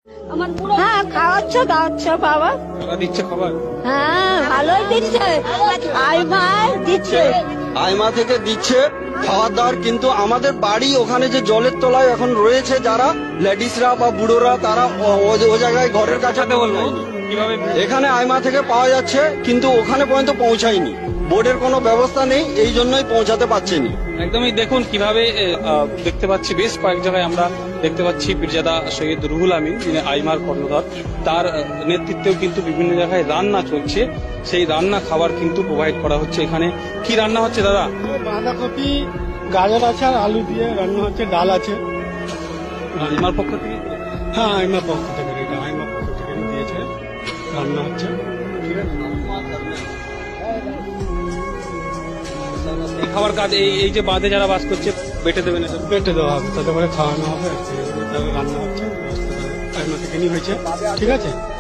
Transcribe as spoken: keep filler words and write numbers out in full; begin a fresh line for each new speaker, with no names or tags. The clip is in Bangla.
হ্যাঁ খাওয়াচ্ছে দাওয়াচ্ছে বাবা।
টাকা দিচ্ছে খাবার?
হ্যাঁ ভালোই দিচ্ছে, আইমা দিচ্ছে।
আইমা থেকে দিচ্ছে খাওয়ার দাওয়ার, কিন্তু আমাদের বাড়ি ওখানে যে জলের তলায় এখন রয়েছে যারা লেডিসরা বা বুড়োরা, তারা ও- ও- ও জায়গায় ঘরের কাছে
সাথে বলবো কিভাবে
এখানে আইমা থেকে পাওয়া যাচ্ছে, কিন্তু ওখানে পর্যন্ত পৌঁছায়নি। বোর্ডের কোনো ব্যবস্থা নেই, এই জন্যই পৌঁছাতে পারছেনি।
একদমই দেখুন কিভাবে এ, আহ, দেখতে পাচ্ছি বেশ কয়েক জায়গায় আমরা দেখতে পাচ্ছি পীরজাদা সৈয়দ রুহুল আমিন, যিনি আইমার কর্ণধার, তার আহ, নেতৃত্বেও কিন্তু বিভিন্ন জায়গায় রান্না চলছে। সেই রান্না খাবার কিন্তু প্রোভাইড করা হচ্ছে। এখানে কি রান্না হচ্ছে দাদা?
বাঁধাকপি গাজর আছে আর আলু দিয়ে রান্না হচ্ছে, ডাল আছে।
আইমার পক্ষ থেকে
হ্যাঁ আইমা পক্ষ থেকে, এটা আইমা পক্ষ থেকে দিয়েছে, রান্না হচ্ছে।
এই খাবার কাজ এই এই যে বাঁধে যারা বাস করছে বেটে দেবেন এটা?
পেটে দেওয়া হবে, তাতে করে খাওয়ানো হবে, তাহলে রান্না হচ্ছে, আইমা থেকে নিয়ে হয়েছে। ঠিক আছে।